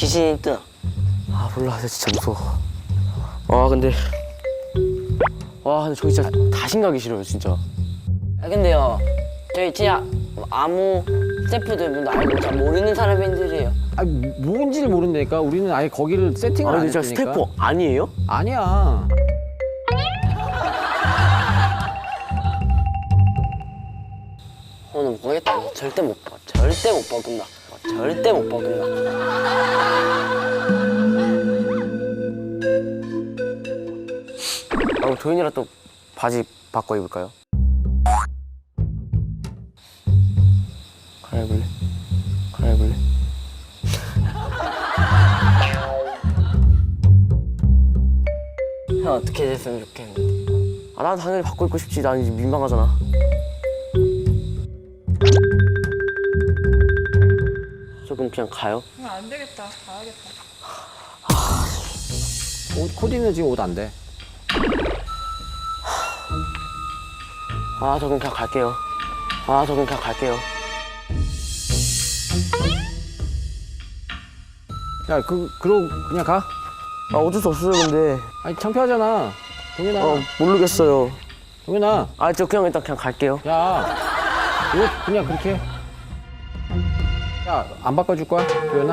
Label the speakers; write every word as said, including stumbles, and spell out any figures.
Speaker 1: 귀신이 뜨나?
Speaker 2: 아 몰라, 나 진짜 무서워. 아 근데 와 근데 저기 진짜 다신 가기 싫어요 진짜.
Speaker 1: 아 근데요 저희 진짜 아무 스태프들도 알고 잘 모르는 사람들이에요.
Speaker 3: 아 뭔지를 모른다니까. 우리는 아예 거기를 세팅을
Speaker 2: 아
Speaker 3: 안
Speaker 2: 근데 진짜
Speaker 3: 했으니까.
Speaker 2: 스태프 아니에요?
Speaker 3: 아니야.
Speaker 1: 오늘 못 가겠다. 나 절대 못 봐. 절대 못 바꾼다. 절대 못 바꾼다.
Speaker 2: 아, 그럼 도현이랑 또 바지 바꿔 입을까요? 갈아입을래? 갈아입을래?
Speaker 1: 형 어떻게 됐으면 좋겠는데.
Speaker 2: 아, 난 당연히 바꿔 입고 싶지. 난 이제 민망하잖아. 저 그럼 그냥 가요?
Speaker 4: 응, 안 되겠다. 가야겠다.
Speaker 3: 옷, 코디는 지금 옷 안 돼.
Speaker 2: 아, 저 그럼 그냥 갈게요. 아, 저 그럼 그냥 갈게요.
Speaker 3: 야, 그, 그러고 그냥 가.
Speaker 2: 아, 어쩔 수 없어요, 근데.
Speaker 3: 아니, 창피하잖아. 동현아.
Speaker 2: 어, 모르겠어요.
Speaker 3: 동현아.
Speaker 2: 아, 저 그냥 일단 그냥 갈게요.
Speaker 3: 야, 옷 그냥 그렇게. 야, 안 바꿔줄 거야? 도현아?